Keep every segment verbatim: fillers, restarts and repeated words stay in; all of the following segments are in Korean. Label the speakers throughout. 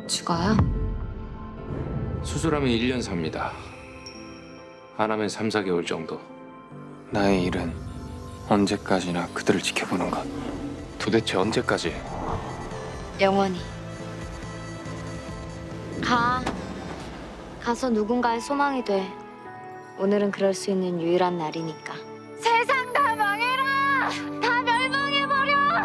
Speaker 1: 죽어요?
Speaker 2: 수술하면 일 년 삽니다. 안 하면 삼, 사 개월 정도.
Speaker 3: 나의 일은 언제까지나 그들을 지켜보는 것. 도대체 언제까지?
Speaker 1: 영원히. 가. 가서 누군가의 소망이 돼. 오늘은 그럴 수 있는 유일한 날이니까. 세상 다 망해라! 다 멸망해버려!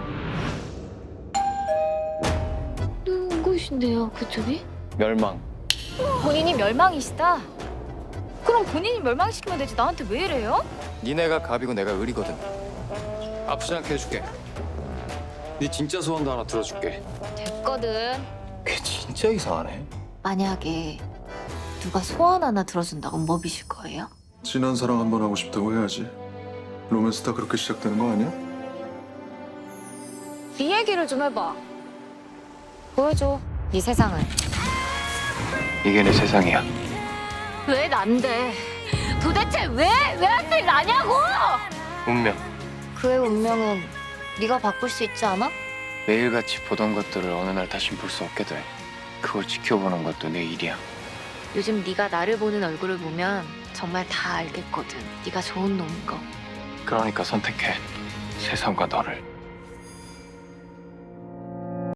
Speaker 1: 누구신데요, 그쪽이?
Speaker 3: 멸망.
Speaker 4: 본인이 멸망이시다? 그럼 본인이 멸망시키면 되지 나한테 왜 이래요?
Speaker 3: 니네가 갑이고 내가 을이거든. 아프지 않게 해줄게. 네 진짜 소원도 하나 들어줄게.
Speaker 4: 됐거든.
Speaker 3: 걔 진짜 이상하네.
Speaker 1: 만약에 누가 소원 하나 들어준다고 뭐 비실 거예요?
Speaker 5: 진한 사랑 한 번 하고 싶다고 해야지. 로맨스 다 그렇게 시작되는 거 아니야?
Speaker 4: 네 얘기를 좀 해봐. 보여줘. 네 세상을.
Speaker 3: 이게 내 세상이야.
Speaker 4: 왜 난데? 도대체 왜? 왜 하필 나냐고!
Speaker 3: 운명.
Speaker 1: 그의 운명은 네가 바꿀 수 있지 않아?
Speaker 3: 매일같이 보던 것들을 어느 날 다시 볼 수 없게 돼. 그걸 지켜보는 것도 내 일이야.
Speaker 1: 요즘 네가 나를 보는 얼굴을 보면 정말 다 알겠거든. 네가 좋은 놈인 거.
Speaker 3: 그러니까 선택해. 세상과 너를.